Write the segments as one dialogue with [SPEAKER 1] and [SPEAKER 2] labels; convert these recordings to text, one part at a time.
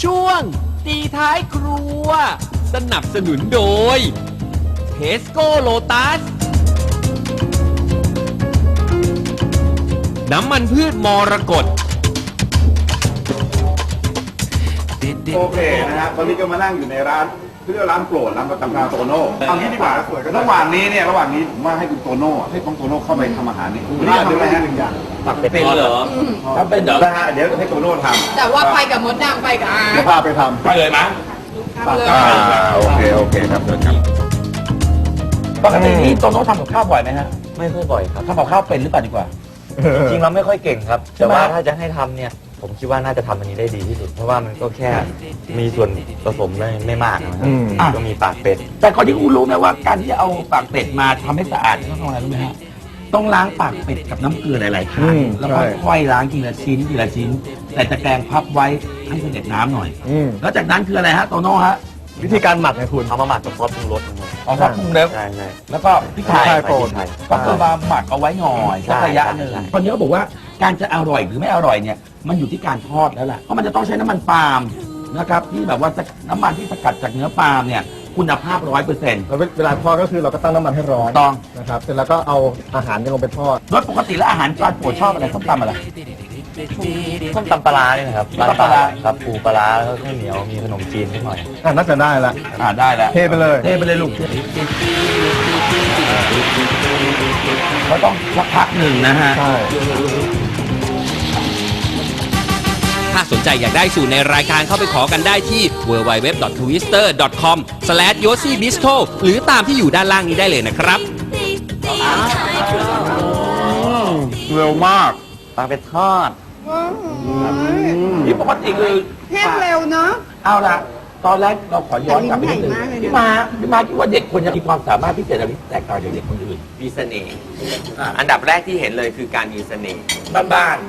[SPEAKER 1] ช่วงตีท้ายครัวสนับสนุนโดยเทสโก้โลตัสน้ำมันพืชมรกต
[SPEAKER 2] โอเคนะฮะตอนนี้ก็มานั่งอยู่ในร้านเรียกร้านโปรดร้านประจำการโตโน่เอางี้ดีกว่าระหว่างนี้ผมว่าให้คุณโตโน่ให้น้องโตโน่เข้าไปทำอาหารนี่คุณนี่ทำอะไรฮะหนึ่งอย่างตักเป็นเหรอถ้าเป็นเดี๋ยวนะฮะเดี๋ยวให้โตโน่ทำ
[SPEAKER 3] แต่ว่าไปกับมดดำไปกับอา
[SPEAKER 2] เดี๋ยวพาไปทำไปเลยมั้ยโอเคครับเชิญครับปกตินี่โตโน่ทำกับข้าวบ่อยไหมฮะ
[SPEAKER 4] ไม่ค่อยบ่อยครับ
[SPEAKER 2] ทำกับข้าวเป็นหรือเปล่าดีกว่า
[SPEAKER 4] จริงเราไม่ค่อยเก่งครับแต่ว่าถ้าจะให้ทำเนี่ยผมคิดว่าน่าจะทำอันนี้ได้ดีที่สุดเพราะว่ามันก็แค่มีส่วนผสมไม่มากนะครับก็มีปากเป็ด
[SPEAKER 2] แต่คนที่รู้ไหมว่าการที่จะเอาปากเป็ดมาทำให้สะอาดต้องทำอะไรรู้ไหมฮะต้องล้างปากเป็ดกับน้ำเกลือหลายๆครั้งแล้วก็ค่อยล้างทีละชิ้นแต่ตะแกรงพับไว้ให้เสด็จน้ำหน่อยแล้วจากนั้นคืออะไรฮะโตโน่ฮะ
[SPEAKER 4] วิธีการหมักไงคุณเอามาหมักกับซอสปรุงรส
[SPEAKER 2] เอาซอสปรุงรส
[SPEAKER 4] ใช่
[SPEAKER 2] แล้วก็พริกไทยก็คือมาหมักเอาไว้หน่อยสักระยะหนึ่งคนนี้ก็บอกว่าการจะอร่อยหรือไม่อร่อยเนี่ยมันอยู่ที่การทอดแล้วล่ะเพราะมันจะต้องใช้น้ำมันปาล์มนะครับที่แบบว่าน้ำมันที่สกัดจากเนื้อปาล์มเนี่ยคุณภาพ 100%
[SPEAKER 5] แล้วเวลาทอดก็คือเราก็ตั้งน้ำมันให้ร้อน
[SPEAKER 2] ต้อง
[SPEAKER 5] นะครับเสร็จแล้วก็เอาอาหารลงไปทอด
[SPEAKER 2] โดยปกติแล้วอาหารจานโปรดชอบอะไรส้มตำอะไร
[SPEAKER 4] ส้มตำปลาเนี่ยนะครับ
[SPEAKER 2] ปลา
[SPEAKER 4] ครับปูปลาแล้วก็ข้าวเหนียวมีขนมจีนนิดหน่อย
[SPEAKER 5] น่าจะได้ละ
[SPEAKER 2] ได้แล้ว
[SPEAKER 5] เทไปเลย
[SPEAKER 2] ลูกเขาต้องสักพักหนึ่งนะฮะ
[SPEAKER 5] ใช่
[SPEAKER 1] ถ้าสนใจอยากได้สูตรในรายการเข้าไปขอกันได้ที่ www.twister.com/yosibistro หรือตามที่อยู่ด้านล่างนี้ได้เลยนะครับ
[SPEAKER 2] เร็วมาก
[SPEAKER 4] ปลาเป็ดทอด
[SPEAKER 2] ที่ปกติคือ
[SPEAKER 3] แห้งเร็วเนาะ
[SPEAKER 2] เอาละตอนแรกเราขอย้อนกลับไปนิดนึงพี่มาคิดว่าเด็กคนนี้มีความสามารถพิเศษอะไรแตกต่างจากเด็กคนอื่น
[SPEAKER 6] มีเสน่ห์อันดับแรกที่เห็นเลยคือการมีเสน่ห์
[SPEAKER 2] บ้าน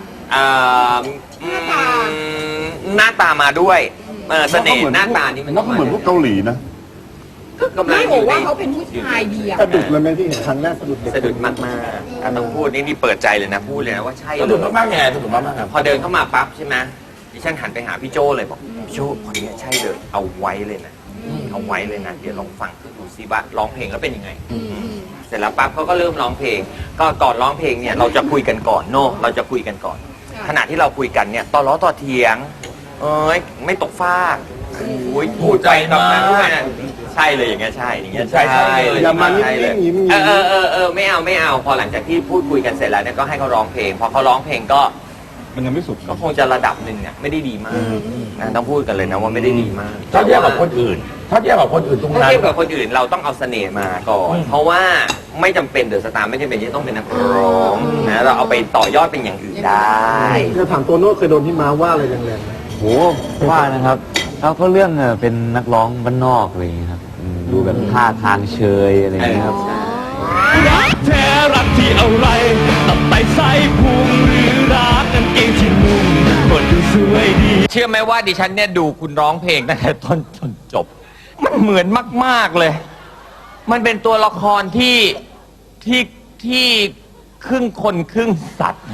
[SPEAKER 6] หน้าตามาด้วยเสน่ห์หน้าตานี่มัน
[SPEAKER 2] ก็เหมือนพวกเกาหลีนะ
[SPEAKER 6] กำลัง
[SPEAKER 3] ไม่บอกว่าเขาเป็นผู้ชายดีอะ
[SPEAKER 5] สะดุดเลยไหมที่เห็นครั้งแรกสะดุดเด็ก
[SPEAKER 6] สะดุดมากๆต้องพูดนี่เปิดใจเลยนะพูดเลยนะว่าใช่
[SPEAKER 2] สะดุดมากๆไงสะดุดมาก
[SPEAKER 6] ๆพอเดินเข้ามาปั๊บใช่ไหมดิฉันหันไปหาพี่โจเลยบอกพี่โจคนนี้ใช่เลยเอาไว้เลยนะเอาไว้เลยนะเดี๋ยวลองฟังดูซิว่าร้องเพลงแล้วเป็นยังไงเสร็จแล้วปั๊บเขาก็เริ่มร้องเพลงก็ก่อนร้องเพลงเนี่ยเราจะคุยกันก่อนเราจะคุยกันก่อนขณะที่เราคุยกันเนี่ยต่อล้อต่อเถียงไม่ตกฟากพูดใจมากใช่เลยอย่างเงี้ยใช่อย่างเงี้ยใช่เลย
[SPEAKER 5] อย่ามานิ่ง
[SPEAKER 6] ๆไม่เอาพอหลังจากที่พูดคุยกันเสร็จแล้วเนี่ยก็ให้เขาร้องเพลงพอเขาร้องเพลงก็
[SPEAKER 2] มันยังไม่สุด
[SPEAKER 6] ก็คงจะระดับหนึ่งเนี่ยไม่ได้ดีมากนะต้องพูดกันเลยนะว่าไม่ได้ดีมาก
[SPEAKER 2] ถ้าเทียบกับคนอื่นตรงนั้นถ้าเทียบกับคน
[SPEAKER 6] อื่นเราต้องเอาเสน่ห์มาก่อนเพราะว่าไม่จำเป็นเดอะสตาร์ไม่จำเป็นที่ต้องเป็นนักร้องนะเราเอาไปต่อยอดเป็นอย่างอื่นได้
[SPEAKER 5] จะถามตัวโน้ตเคยโดนพี่ม้าว่าอะไรแรง
[SPEAKER 4] ๆโหว่านะครับเขาเรื่องเป็นนักร้องบ้านนอกอะไรอย่างนี้ครับดูแบบท่าทางเชยอะไรอย่างนี้ครับ
[SPEAKER 1] รักแท้รักที่อะไรตับไตไส้พุงหรือรักกันเองที่มุมคนดูสวยดี
[SPEAKER 6] เชื่อไหมว่าดิฉันเนี่ยดูคุณร้องเพลงตั้งแต่ต้นจนจบมันเหมือนมากๆเลยมันเป็นตัวละครที่ครึ่งคนครึ่งสัตว์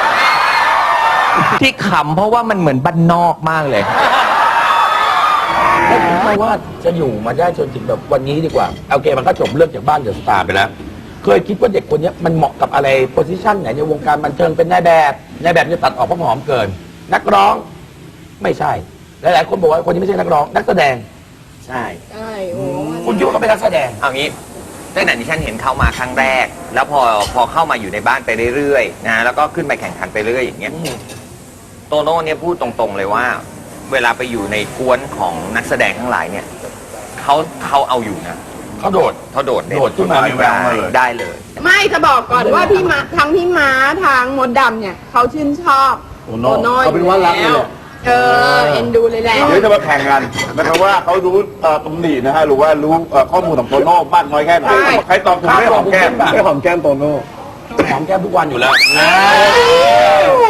[SPEAKER 6] ที่ขำเพราะว่ามันเหมือนบ้านนอกมากเลย
[SPEAKER 2] ไม่คิดว่าจะอยู่มาได้จนถึงแบบวันนี้ดีกว่าโอเคมันก็จบเรื่องจากบ้านเดอะสตาร์ไปแล้วเคยคิดว่าเด็กคนนี้มันเหมาะกับอะไรโพสิชันไหนในวงการบันเทิงเป็นนายแบบจะตัดออกเพราะหอมเกินนักร้องไม่ใช่หลายๆคนบอกว่าคนนี้ไม่ใช่นักร้องนักแสดง
[SPEAKER 6] ใช่
[SPEAKER 2] คุณคิดว่าเขาเป็นนักแสดง
[SPEAKER 6] เอางี้ตั้งแต่ที่ฉันเห็นเขามาครั้งแรกแล้วพอเข้ามาอยู่ในบ้านไปเรื่อยๆนะแล้วก็ขึ้นไปแข่งขันไปเรื่อยอย่างเงี้ยโตโน่เนี่ยพูดตรงๆเลยว่าเวลาไปอยู่ในกวนของนักแสดงทั้งหลายเนี่ยเขาเอาอยู่นะเขาโดด
[SPEAKER 2] ขึ้นมา
[SPEAKER 6] ได้เลย
[SPEAKER 3] ไม่จะบอกก่อนว่าทั้งพี่ม้าทางมดดำเนี่ยเขาชื่นชอบ
[SPEAKER 2] โตโน่
[SPEAKER 5] เขาเป็นว่ารักเลย
[SPEAKER 3] เอ็นดูเลยแหละ
[SPEAKER 2] เดี๋ยวจะมาแข่งกันนะครับว่าเขารู้ตำหนินะฮะหรือว่ารู้ข้อมูลของโตโน่มากน้อยแค่ไหนใครตอบถูกได้หอมแก้ม
[SPEAKER 5] โตโน่
[SPEAKER 2] หอมแก้มโตโน่หอมแก้มทุกวันอยู่แล้ว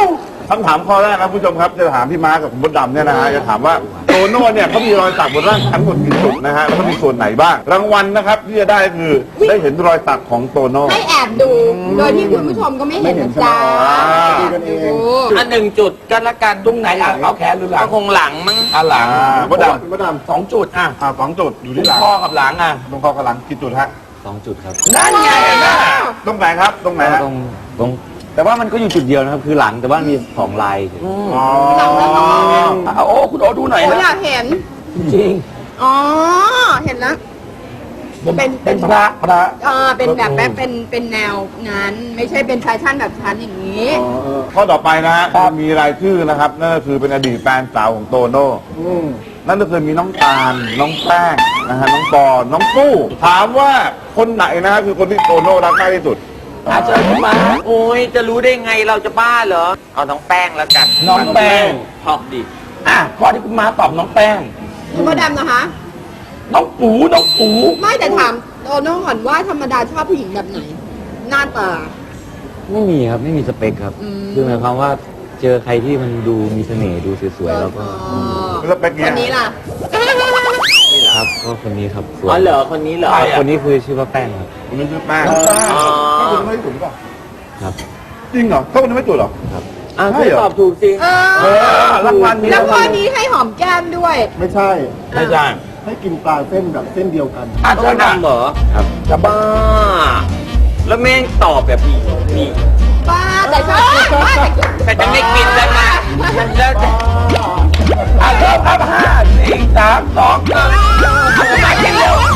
[SPEAKER 7] คำถามข้อแรกนะคุณผู้ชมครับจะถามพี่ม้ากับคุณมดดำเนี่ยนะฮะจะถามว่าโตโน่เนี่ยเขามีรอยสักบนร่างทั้งหมดกี่จุดนะฮะแล้วก็มีส่วนไหนบ้างรางวัลนะครับที่จะได้คือได้เห็นรอยสักของโตโน่
[SPEAKER 3] ให้แอบดู โดยที่คุณผู้ชมก็ไม่เห็นนะจ๊ะ
[SPEAKER 5] ดูกันเอง
[SPEAKER 3] ดู
[SPEAKER 6] อันหนึ่งจุดก็แล้วกัน
[SPEAKER 2] ตรงไหนอ่ะเอาแขนหรือหลั
[SPEAKER 6] ก็
[SPEAKER 2] ง
[SPEAKER 6] คงหลังมั้ง
[SPEAKER 2] อ่ะหลัง
[SPEAKER 7] มดด
[SPEAKER 5] คุณมดดำ
[SPEAKER 2] 2 จุดอ่ะ
[SPEAKER 7] 2 จุดอยู่
[SPEAKER 2] ตร
[SPEAKER 7] ที่
[SPEAKER 2] ง
[SPEAKER 7] หลัง
[SPEAKER 2] คอกับหลังอ่ะ
[SPEAKER 7] ตรงคอกับหลังกี่จุดฮะ
[SPEAKER 4] 2 จุดครับ
[SPEAKER 2] นั่นไงเห็นไหม
[SPEAKER 7] ตรงไหนครับตรงไหนฮะ
[SPEAKER 4] ตรงแต่ว่ามันก็อยู่จุดเดียวนะครับ คือหลังแต่ว่ามี2 ลายเฉย
[SPEAKER 7] อ๋อ
[SPEAKER 2] เอาโอ้คุณโอดูหน่อย
[SPEAKER 3] โอ้
[SPEAKER 2] นะ
[SPEAKER 3] อยากเห็น
[SPEAKER 2] จริง
[SPEAKER 3] อ๋อ เห็นแล้ว
[SPEAKER 2] เป็นพระ
[SPEAKER 3] เป็นแบบเป็นแนวนั้น ไม่ใช่เป็นแฟชั่นแบบชั้นอย่างนี้
[SPEAKER 7] ข้อต่อไปนะฮะมีรายชื่อนะครับนั่นก็คือเป็นอดีตแฟนสาวของโตโน่นั่นก็คือมีน้องตาลน้องแป้งนะฮะน้องปอน้องปู้ถามว่าคนไหนนะฮะคือคนที่โตโน่รักมากที่สุด
[SPEAKER 2] อาเชิญคุณมา
[SPEAKER 6] โอ้ยจะรู้ได้ไงเราจะบ้าเหรอ เอาน้องแป้งแล้วกัน
[SPEAKER 2] น้องแป้ง
[SPEAKER 6] ชอบดิ
[SPEAKER 2] อ่ะข้อที่คุณมาตอบน้องแป้ง
[SPEAKER 3] คุณมดดำนะคะ
[SPEAKER 2] น้องปูน้องปู
[SPEAKER 3] ไม่แต่ถามโตโน่ก่อนว่าธรรมดาชอบผู้หญิงแบบไหน หน้าตา
[SPEAKER 4] ๆไม่มีครับไม่มีสเปคครับ
[SPEAKER 3] อืม
[SPEAKER 4] คือหมายความว่าเจอใครที่มันดูมีเสน่ห์ดูสวยๆแล้วก็
[SPEAKER 7] แล้วเป็นไง
[SPEAKER 3] คนนี้ล่ะ
[SPEAKER 4] ครับก็คนนี้ครับสวย
[SPEAKER 6] อ๋อเหรอคนนี้เหรอ
[SPEAKER 4] คนนี้คือชื่อว่าแป้งครับ
[SPEAKER 7] คนนี้ชื่อแป้ง
[SPEAKER 6] อ๋อ
[SPEAKER 7] ถ้าคนนี้ไม่ถูกหรือเปล่า
[SPEAKER 4] ครับ
[SPEAKER 7] จริงเหรอถ้าคนนี้ไม่ถูกเหรอ
[SPEAKER 6] อ่ะ
[SPEAKER 7] ใช่เหรอ
[SPEAKER 6] ตอบถูกสิ
[SPEAKER 2] รางวัลนี้
[SPEAKER 3] แล้วข้อนี้ให้หอมแก้มด้วย
[SPEAKER 5] ไม่ใช่
[SPEAKER 2] ไม่ใช่
[SPEAKER 5] ให้กินปลาเส้นแบบเส้นเดียวกัน
[SPEAKER 2] อา
[SPEAKER 6] ต้
[SPEAKER 2] เชิ
[SPEAKER 6] อ
[SPEAKER 2] ญ
[SPEAKER 6] ง
[SPEAKER 2] นะ
[SPEAKER 6] ดำเหรอ
[SPEAKER 2] จะบ้า
[SPEAKER 6] บ้า แล้วแม่งตอบแบบนี้นี่
[SPEAKER 3] บ้าแต่ชอบบ้าแต่
[SPEAKER 6] แต่จะไม่กินแล้วนะแล้วจะ
[SPEAKER 2] อาเชิญครับ5 4 3 2 1มากินเร็ว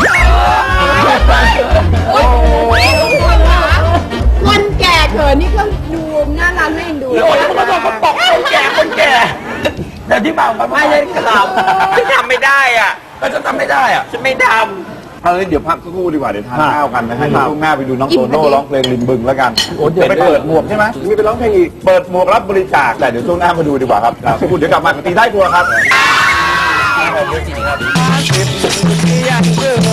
[SPEAKER 3] โอ้ยคนแก่เขินนี่ก็ดูน่ารักน่าเอ็นดู
[SPEAKER 2] โอ้ยคุณผู้ชมเขาตกคนแก่คนแก่แต่ที่มาไม่
[SPEAKER 6] ไม่
[SPEAKER 2] ใช่
[SPEAKER 6] ใช่ครับฉันทำไม่ได้อ่ะ
[SPEAKER 2] ก็จะทำไม่ได้อ่ะ
[SPEAKER 6] ฉันไม่ท
[SPEAKER 7] เอาเลยเดี๋ยวพักสักครู่ดีกว่าเดี๋ยวทาน
[SPEAKER 5] ครับ
[SPEAKER 7] ข้าวกันนะฮะ
[SPEAKER 5] ครั
[SPEAKER 7] เดี๋ยว
[SPEAKER 5] บ
[SPEAKER 7] ช่วงหน้าไปดูน้องโตโน่ร้องเพลงริมบึงแล้วกัน
[SPEAKER 2] โอ้เดี๋ยว
[SPEAKER 7] ไปเปิดหมวกใช่ไหมมีไปร้องเพลงอีกเปิดหมวกรับบริจาคแต่เดี๋ยวช่วงหน้ามาดูดีกว่าครับสักครู่เดี๋ยวกลับมากับตีท้ายครัวครับ
[SPEAKER 1] อยากเจอ